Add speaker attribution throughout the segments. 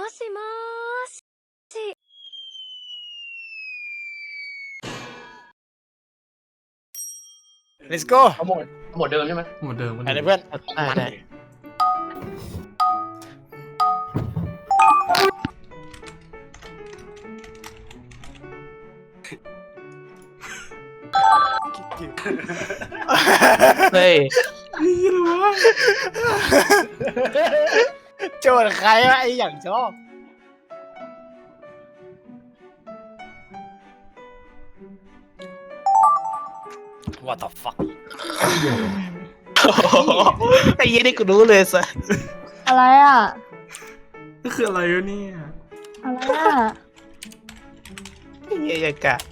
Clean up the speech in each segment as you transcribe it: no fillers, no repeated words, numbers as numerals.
Speaker 1: しもーし。
Speaker 2: let's go
Speaker 3: เอาหมดเดิมใช่ไหม
Speaker 4: หมดเดิมหมด
Speaker 2: อะไร
Speaker 4: เดิม
Speaker 2: เพื่อน
Speaker 5: ได้เฮ้ย
Speaker 2: โจทย์ใครวะไอ้อย่างชอบ what the fuck
Speaker 5: ไอ้ยี่นี่กูรู้เลยสัส
Speaker 6: อะไรอ่ะ
Speaker 4: ก็คืออะไรวะเนี่ย
Speaker 6: อะไรอ่ะ
Speaker 5: ไอ้ยี่ยังกะ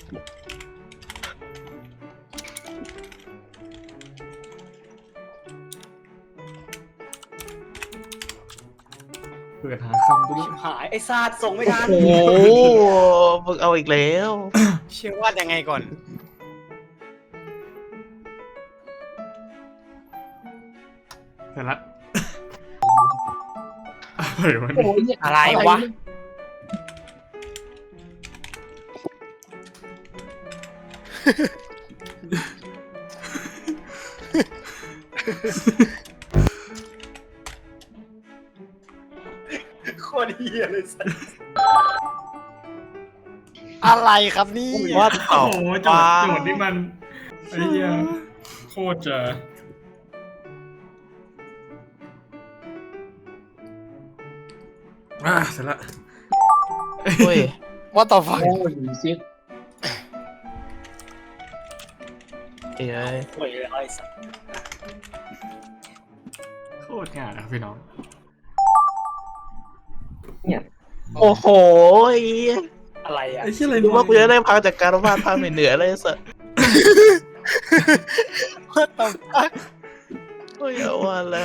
Speaker 4: เปิดหาคำด้วย
Speaker 2: หายไอ้ซาดส่งไม่ทัน
Speaker 5: โอ้โหมึงเอาอีกแล้ว
Speaker 2: เชื่อวาดยังไงก่อน
Speaker 4: เสร็จละอะไรวะ
Speaker 3: โอ้
Speaker 4: เนี่ย
Speaker 3: ย
Speaker 2: อะไรวะ โคตรเฮียเลยสัสอะไรครับนี่
Speaker 5: ว่า
Speaker 4: โอ้
Speaker 5: ต่อ
Speaker 4: โหโจทย์นี่มันไอ้เหี้ยโคตรจะเสร็จละ
Speaker 5: เฮ้ย
Speaker 2: ว่าต่อฟัง
Speaker 3: โอ้ยซิด
Speaker 5: เอ้ย
Speaker 2: โอ้ยไอ้สัส
Speaker 4: โคตรง่ายนะพี่น้อง
Speaker 3: เนี่ย
Speaker 5: โอ้โห
Speaker 2: อะไรอ่ะ
Speaker 4: ไอ้เหี้ยอะไร
Speaker 5: ดูว่ากูจะได้พักจากการวาดภาพเหนือเลยสัส
Speaker 2: ว่าต่อฟัง
Speaker 5: โอ้ยเอาว่าแล้ว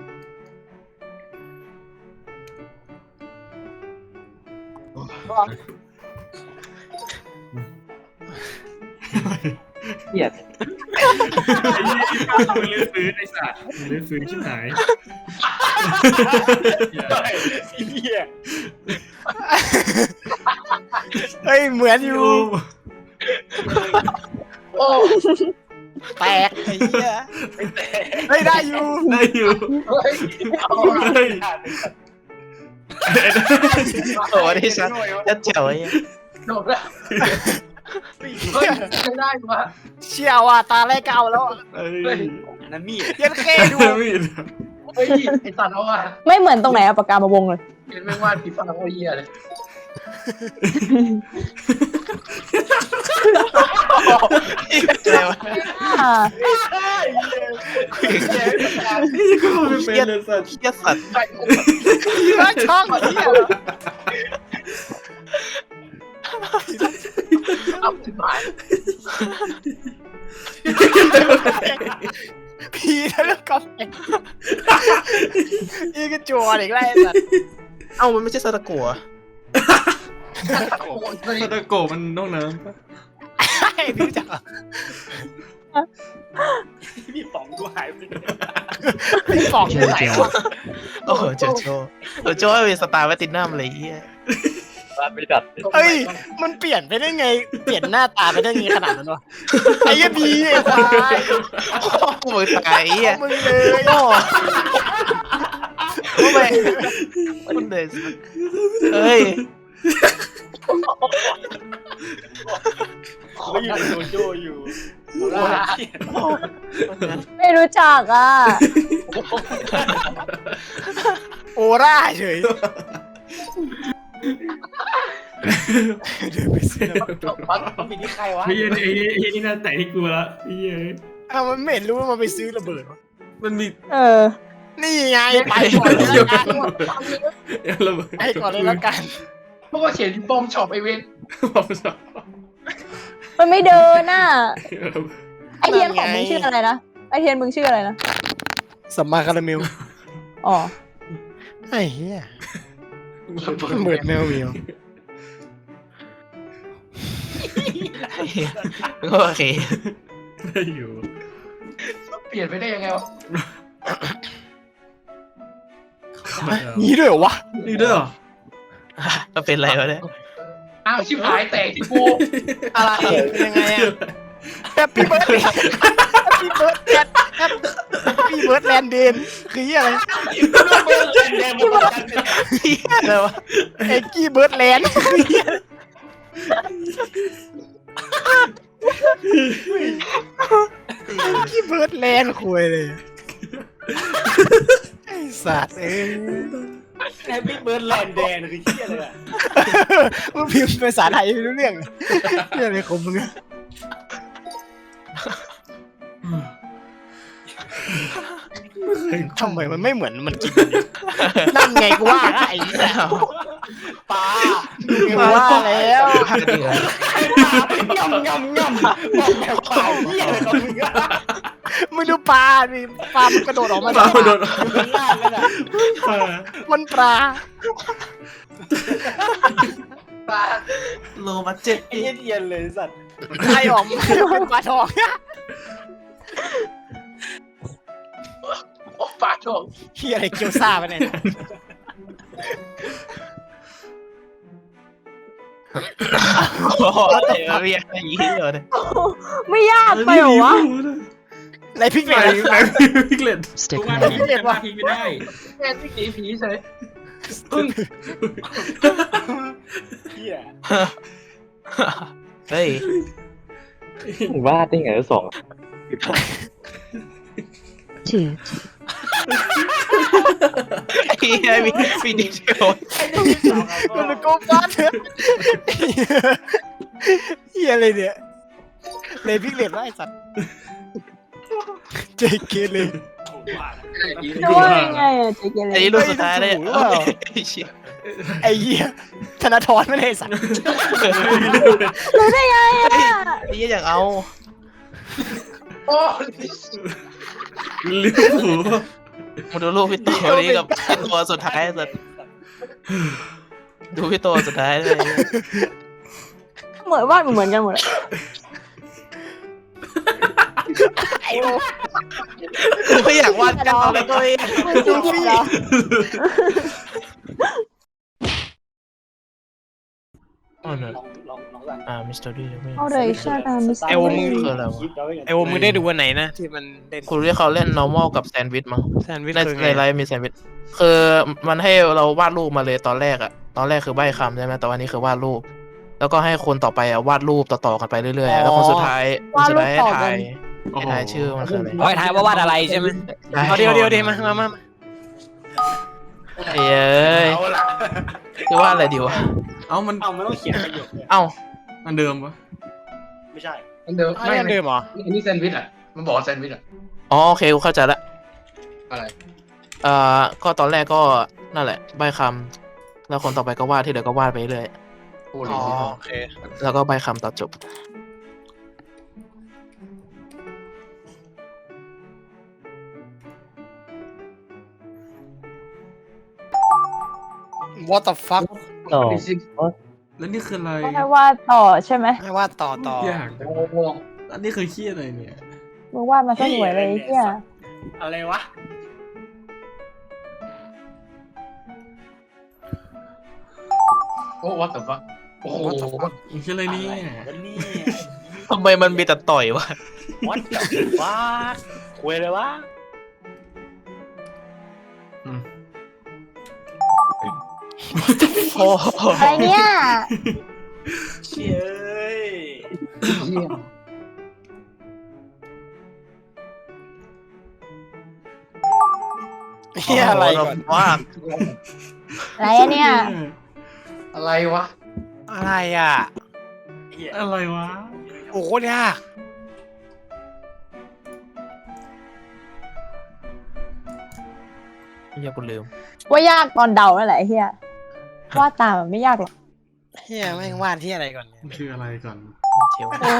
Speaker 3: เหี้ย
Speaker 4: ไอ้เหี้ยมึงเลือกซื้อไอ้สัตว์มึงเลือกซื้อชิบหาย
Speaker 2: เฮียเฮ้ยเหมือนอยู่
Speaker 3: โอ้
Speaker 2: แตกไอ้เหี้ยเฮ้ยได้อยู่
Speaker 4: ได้อยู่
Speaker 3: เฮ้ยเอา
Speaker 4: เฮ้ย
Speaker 5: โอ้นี่สัสยัดเจ๋วไอ้เหี้ย
Speaker 3: จบแล้วเฮ้ยจะได้ปะ
Speaker 2: เชี่ยว่ะตาแรกเก่าแล้ว
Speaker 4: เฮ้ย
Speaker 2: อันนั้นมีดเย็นเคดู
Speaker 4: มีด
Speaker 3: เฮ้ยไอ้สัตว์เอาอ่ะ
Speaker 6: ไม่เหมือนตรงไหนเอาปากกามาวงเลย
Speaker 3: เห็นไม่ว่าผีฟ้าโอ้ยเหี้ยเลย
Speaker 5: อะไรวะ
Speaker 6: อ่า
Speaker 4: นี่ก็ไม่เป็นเลยสัตว์
Speaker 5: เหี้ยสัตว์
Speaker 3: ใช่
Speaker 2: ว่าช่องเหี้ย
Speaker 3: เอาสิหาย
Speaker 2: พีแล้วก็อีกจวนอีกแล้วไอ้สัส
Speaker 5: เอ้ามันไม่ใช่ซาตะกัว
Speaker 3: โอ้ยเฮ้ย
Speaker 4: ซาตาโกะมันน้องน้ำปะ
Speaker 2: ไอ้พี่จ๋าพี่ป๋องดูหายไปพี่ป๋องดูไหนวะ
Speaker 5: โอ้โหโจโจ้เป็นสตาร์แวตตินัมอะไรเงี้ย
Speaker 2: เฮ้ยมันเปลี่ยนไปได้ไงเปลี่ยนหน้าตาไปได้ไงขนาดนั้นวะไอ้ยี่บีไอ้ควาย
Speaker 5: กูมือตายไอ้เหี้ย
Speaker 2: เอามึงเลยโอ้
Speaker 5: ทำไมคุณเดชเฮ้ย
Speaker 2: เขาอยู่ในโดโจอยู่
Speaker 6: ไม่รู้จักอ่ะ
Speaker 2: โอร่าเฉยเดินไปซื้อ
Speaker 3: ปัก
Speaker 2: มีที่ใครวะ
Speaker 4: ไอ้เหี้ยไอ้นี่น่าแต่ที่กูละไอ้เหี้ย
Speaker 2: อ้าวมันไม่เห็นรู้ว่ามันไปซื้อระเบิดวะ
Speaker 4: มันมี
Speaker 6: เออ
Speaker 2: นี่ไงไปก่อนเลยละกัน
Speaker 4: ระเบิด
Speaker 2: ไปก่อนเลยละกัน
Speaker 3: พวกก็เขียนบอมช็อปไอเวน
Speaker 4: บอกสอง
Speaker 6: มันไม่เดินน่ะ ไอเทียนของมึงชื่ออะไรนะ ไอเทียนมึงชื่ออะไรนะ
Speaker 2: สัมมาคาราเมล
Speaker 6: อ๋อ
Speaker 2: ไอ้เหี้ยเบิดแมวเหมียว
Speaker 5: โอเค
Speaker 4: ได้อยู่
Speaker 3: เปลี่ยนไปได้ยังไงวะ
Speaker 2: นี่ด้วยเหรอวะ
Speaker 4: นี่ด้วยเหรอ
Speaker 5: ก็เป็นไรวะเนี่ย
Speaker 3: อ้าวชิบหายแตกที่กู
Speaker 2: อะไรเป็นยังไงอะแฮปปี้เบิร์ดแฮปปี้เบิร์ดแลนด์แฮปปี้เบิร์ดแลนด์เดนคือเหี้ยอะไร
Speaker 5: อะไรวะ
Speaker 2: เอ็กกี้เบิร์ดแลนด์คือเหี้ยเอ็กกี้เบิร์ดแลนด์คุยเลยไอ้สัตว์
Speaker 1: แฮปปี้เบิร์ดแลนด์แดนคือเชี่ยเลยอ่ะ
Speaker 2: มึงพิมพ์ภาษาไทยไม่รู้เรื่องเรื่องอะไรของมึงอะทำไมมันไม่เหมือนมันกินนั่นไงกูว่าไอ้เนี่ย
Speaker 1: ปลา
Speaker 2: กูว่าแล้ว
Speaker 5: พาจริงเหรอ
Speaker 1: ง่ำบอกแบบปลาเหี้ยเลยของมึงอะ
Speaker 2: มึงดูปลาดิปลามันกระโดดออกมา
Speaker 4: ปลาโดน
Speaker 1: มึงล่างแล้วน่ะ
Speaker 2: มันปลา
Speaker 3: ปลา
Speaker 5: โลมาเจ็ด
Speaker 1: ไอ้เหี้ยเลยสัตว์
Speaker 2: ใครออกมาเป็นปลาทอง
Speaker 3: โอ้ปลาโชค
Speaker 2: เฮียอะไรเกียวซ่าไปเนี่ย
Speaker 5: โอ้โหเรียกอะไรอย่างนี้เลย
Speaker 6: ไม่ยากไปเหรอวะ
Speaker 2: อะไรพริกเห
Speaker 4: ไห
Speaker 2: ล็
Speaker 4: น
Speaker 2: ก
Speaker 4: ไหนพิกเลต
Speaker 3: ทุกวันนี้จะมาทิ้งไม่ได้แม่ที่หนีผีเฉยพึ่ง
Speaker 1: เหี้ย
Speaker 5: เฮ้ย
Speaker 7: วาดได้ไงสอง
Speaker 5: เฮียมีดีเทล
Speaker 2: มันเป็นโกบ้าเถอะเฮียอะไรเนี่ยเลยพริกเหล็กว่าไอ้สัตว์เจเกเลย
Speaker 6: จะว่ายังไงอะเจเกเร
Speaker 5: ไอ้รูปสุดท้ายเลย
Speaker 2: ไอ้เหี้ยธนาธรไม่ได้ไอ้สัตว์
Speaker 6: รู้ได้ไงอะ
Speaker 5: ไอ้เหี้ยอยากเอา
Speaker 3: โอ้
Speaker 4: ลิเวอร์พูล
Speaker 5: มาดูรูปพี่โตนี้กับพี่ตัวสุดท้ายสุดดูพี่ตัวสุดท้ายเลย
Speaker 6: เหมือนวาดเหมือนกันหมดอะ
Speaker 2: ไอ้โอ้
Speaker 5: กูไม่อยากวาดกันเลยตัวเอง
Speaker 6: มึงจริงๆเหรอ
Speaker 5: อ๋อเนอะ
Speaker 1: ลองสั่ง
Speaker 5: มิสเตอร์ดี้ไม่
Speaker 6: เอาเลยใช่ไหมมิสเตอร์
Speaker 2: ไอ้โอมึง
Speaker 5: คืออะไรวะ
Speaker 2: ไอ้โอมึงได้ดูวันไหนนะที่มันเล่น
Speaker 5: คุณเรียกเขาเล่น normal กับแซนด์วิชมั้ง
Speaker 2: แซนด์วิช
Speaker 5: ใน
Speaker 2: คือ
Speaker 5: ใน
Speaker 2: ไง
Speaker 5: ไลฟ์มีแซนด์วิชคือมันให้เราวาดรูปมาเลยตอนแรกอะตอนแรกคือใบ้คำใช่ไหมแต่วันนี้คือวาดรูป แล้วก็ให้คนต่อไปอะวาดรูปต่อๆกันไปเรื่อยๆแล้วคนสุดท้ายให้ทายให้ทายชื่อมันคืออะไร
Speaker 2: เอาให้ทายว่าวาดอะไรใช่ไหมเอาเดี๋ยวมา
Speaker 5: เอ้ยจะวาดอะไรดีวะ
Speaker 4: เอ้ามัน
Speaker 1: เอาไม่ต้องเขียนประโยคเลย
Speaker 5: เอ้า
Speaker 4: อันเดิมปะ
Speaker 1: ไม่ใช่
Speaker 3: อันเดิม
Speaker 2: ไม่อันเดิมเหรอ
Speaker 3: อันนี้แซนด์วิชอ่ะมันบอกว่าแซนด์วิชอ่ะ
Speaker 5: อ๋อโอเคกูเข้าใจละ
Speaker 3: อะไร
Speaker 5: ก็ตอนแรกก็นั่นแหละใบ้คำแล้วคนต่อไปก็วาดที่เหลือก็วาดไปเรื่อย
Speaker 3: พูดเล
Speaker 2: อ๋
Speaker 3: ย
Speaker 2: อโอเค
Speaker 5: แล้วก็ใบ้คำตัดจบ
Speaker 2: what the fuck
Speaker 7: ต่อ
Speaker 4: แล้วนี่คืออะไร
Speaker 6: ก็ให้วาดต่อใช่ไหม
Speaker 2: ให้วาดต่อย
Speaker 4: าก
Speaker 3: โอ้โห
Speaker 4: อันนี้คือขี้อะไรเนี่ย
Speaker 6: มึงวาดมาซะสวยเลยไอ้เฮีย
Speaker 1: อะไรวะ
Speaker 3: โอ้วัดแต่ว่าโอ้โห
Speaker 4: มันคืออะไรเนี่ย
Speaker 1: วันนี้
Speaker 5: ทำไมมันมีแต่ต่อยวะ
Speaker 1: วัดกับว่าคุยเลยวะ
Speaker 5: โอ้โห
Speaker 6: อะไรเนี่ย
Speaker 1: เชี่ยเอ้ย
Speaker 3: เยี่ยม
Speaker 2: เฮียอะไรก่อน
Speaker 5: ว่า
Speaker 6: อะไรอะเนี่ย
Speaker 3: อะไรวะ
Speaker 2: อะไรอ่ะ
Speaker 1: เหี้ย
Speaker 4: อะไรวะ
Speaker 2: โอ้โหยาก
Speaker 5: เฮียกูลืม
Speaker 6: ว่ายากตอนเดานั่นแหละไอ้เฮียวาดตามมันไม่ยากหรอก
Speaker 2: เฮียแม่งวาดที่อะไรก่อนเนี่ย
Speaker 4: มันคืออะไรก่อน
Speaker 5: เชียว
Speaker 6: โอ้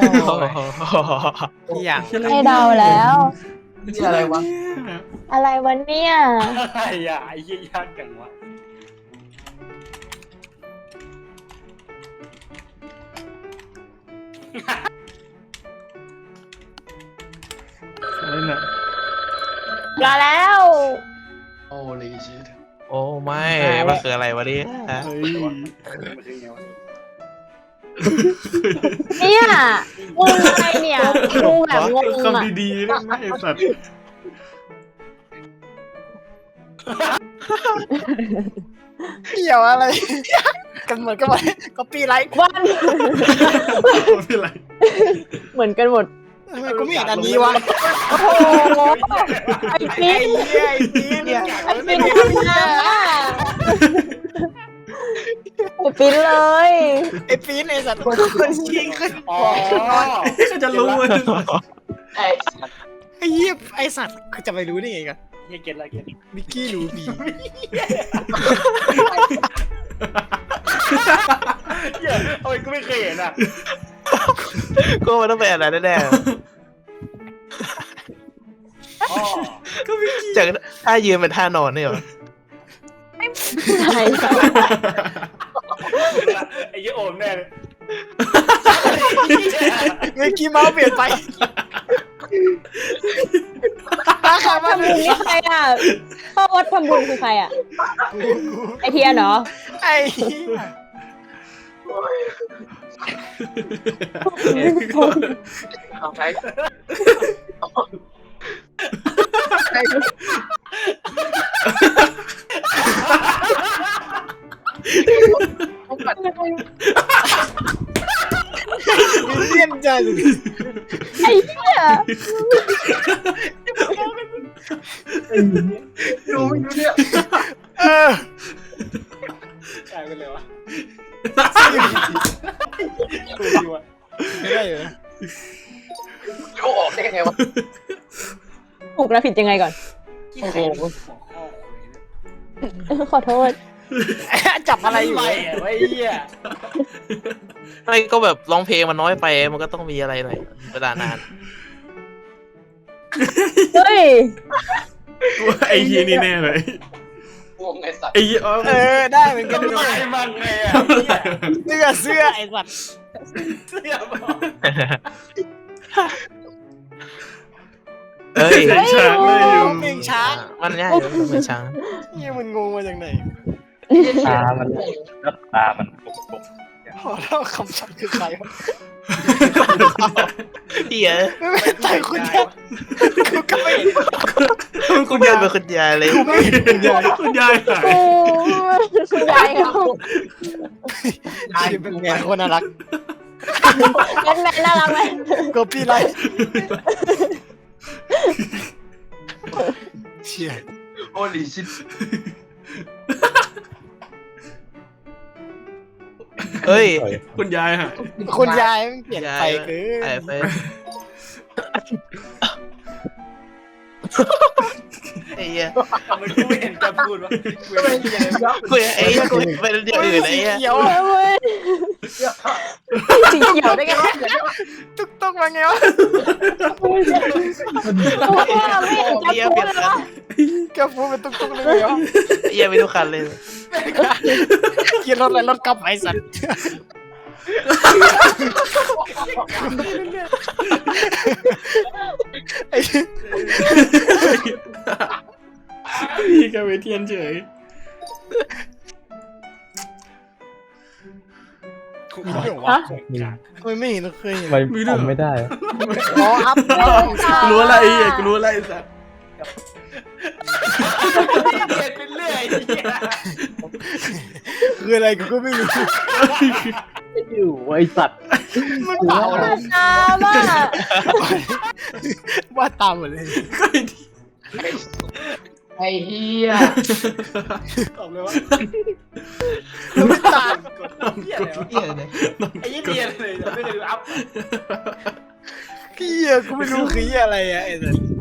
Speaker 2: ที่อย่าง
Speaker 6: ให้เดาแล้ว
Speaker 3: นี่อะไรวะ
Speaker 6: อะไรวะเนี่ย
Speaker 1: อะไรอ่ะไอ้เหี้ยยากจังวะ
Speaker 4: อะไรน่ะ
Speaker 6: มาแล้ว
Speaker 3: โอ้ลีชิต
Speaker 5: โอ้ไม่
Speaker 2: มัน
Speaker 5: คืออะไรวะเนี่ย
Speaker 4: เฮ้ย
Speaker 6: เนี่ยมึงอะไรเนี่ยกูแบบงงอ่ะ
Speaker 4: คำดีๆนะไอ้สัตว์
Speaker 2: เกี่ยวอะไรกันเหมือนกันหมดก็ปีไร
Speaker 6: วัน
Speaker 4: ไม่เป็นไร
Speaker 6: เหมือนกันหมด
Speaker 2: ทำไมกูไม่เห็นอันนี้วะ
Speaker 6: โอ้โหไอ้ปีน
Speaker 2: ไอ้ปีเนี่ย
Speaker 6: ไอ้ปีนทำงานอ่ะไอ้ปีนเลย
Speaker 2: ไอ้ปีนไอ้สัตว์คนชิงขึ้น
Speaker 1: อ๋อ
Speaker 4: ก็จะรู้ว่า
Speaker 2: ไอ้เหี้ยไอ้สัตว์จะไปรู้ได้ไงกัน
Speaker 1: เฮียเก็ตละเก็ต
Speaker 2: มิกกี้รู้บี
Speaker 1: เฮียโอ้ยกูไม่เคยเห็นอ่ะ
Speaker 5: ก็มันต้องเป็นอะไรแน่
Speaker 1: อ๋อ
Speaker 5: ๆจากท่ายืนเป็นท่านอนนี่เหรอ
Speaker 6: ใช่ใช่
Speaker 1: ไอ้เหี้ยโอมแน่เลย
Speaker 2: มิกกี้เมาส์เปลี่ยนไป
Speaker 6: พ่อทำบุญนี่ใครอ่ะพ่อวัดทำบุญคือใครอ่ะไอเทียนเหรอ
Speaker 2: ไอ้เหี้ย วิลเลียมจัน
Speaker 6: ไอ้เหี้ย
Speaker 2: เออ
Speaker 1: กลายเป็นเลยวะ
Speaker 2: ไม่ได้อยู่นะ
Speaker 6: ถูกและผิดยังไงก่อน
Speaker 1: โอ้โห
Speaker 6: ขอโทษ
Speaker 2: จับอะไรอยู่
Speaker 1: ไปอ่ะไอ้เหี้ย
Speaker 5: ไม่ก็แบบร้องเพลงมันน้อยไปมันก็ต้องมีอะไรหน่อยเวลานาน
Speaker 6: เฮ้ย
Speaker 4: ไอ้เฮียนี่แน่เลยไอ้เฮีย
Speaker 2: เออได้เหมือนกัน
Speaker 1: ทำ
Speaker 2: ด้
Speaker 1: ไม
Speaker 2: วย
Speaker 1: มันไงอ่ะ
Speaker 2: เสื้อไอ้สัตว์
Speaker 1: เสื้อบอก
Speaker 5: เอ้ย
Speaker 4: ช้างเลยอยู่
Speaker 2: เพลงช้าง
Speaker 5: มันง่ายอยู่มันเป็นช้าง
Speaker 2: เฮียมันงงมาจากไหน
Speaker 7: ตามันตามันปก
Speaker 2: พอแล้วคำศัพท์คือใครวะ
Speaker 5: เหี้ย
Speaker 2: ไม่เป็นใจคุณยายกูก็ไม่
Speaker 5: คุณยายเป็นคุณยายเลย
Speaker 4: คุณยายคุณยายหาย
Speaker 6: โอ้คุณยายเขา
Speaker 2: เป็นไงคนน่ารัก
Speaker 6: แมนน่ารักไหม
Speaker 2: ก็พี่ไรเชี่ย
Speaker 1: โอ้ลิชิต
Speaker 5: เฮ้ย
Speaker 4: คุณยายหาย
Speaker 2: คุณยายมันเปลี่ยนไปเกิ
Speaker 5: ไอ้
Speaker 2: น
Speaker 5: ไปไอ้เหี้ย
Speaker 1: ทำไมกูไม่เห็นแกพูดวะกูไม่เห็น
Speaker 5: กูไอ้เหี้ยกูเป็นอย่างอื่นไอ้
Speaker 2: สี
Speaker 5: เหี้ย
Speaker 2: เขียว
Speaker 6: เว้ยสีเขียวได้ไงวะ
Speaker 2: ตุ๊กตุ๊กมาไงวะ
Speaker 6: กูว่าไม่เห็น
Speaker 5: ไอ้เหี้ย
Speaker 6: จะ
Speaker 5: เป
Speaker 6: พู
Speaker 5: ลี่ย
Speaker 6: ด
Speaker 5: น
Speaker 6: เลยวะ
Speaker 2: แกพูดเป็นตุ๊กตุ๊กเลยไงวะ
Speaker 5: ไอ้เหี้ยมีทุกคันเลย
Speaker 2: เกียร์รถอะไรรถกลับไอ้สัตว์ไอ้
Speaker 4: พี่กับเวเทียนเฉย
Speaker 2: กูไม่เห็นวะไม่เห็นเคยเห็น
Speaker 7: ๆไม่ทำไม่ได้
Speaker 2: อ๋ออัพ
Speaker 4: กูรู้อะไรไอ้เหี้ยกูรู้อะไรไอ้สัส
Speaker 1: เรียนเป็นเรื่อยไอ้เหี้ย
Speaker 2: คืออะไรกูก็ไม่รู้
Speaker 7: อยู่ไอสัตว์
Speaker 2: มันเปล่าเลย
Speaker 6: ตามอ่ะ
Speaker 2: ว่าตามหมดเลย
Speaker 4: ก็ไอ้ที่
Speaker 3: ไอ้เหี้ย
Speaker 1: ตอบเลยว่า
Speaker 2: ไม่ตาม
Speaker 1: กดเหี้ยอะไรวะไอ้เหี้ยเรียนเลยไม่เคยดูอัพ
Speaker 2: เฮียกูไม่รู้คือเฮียอะไรอะไอ้สัส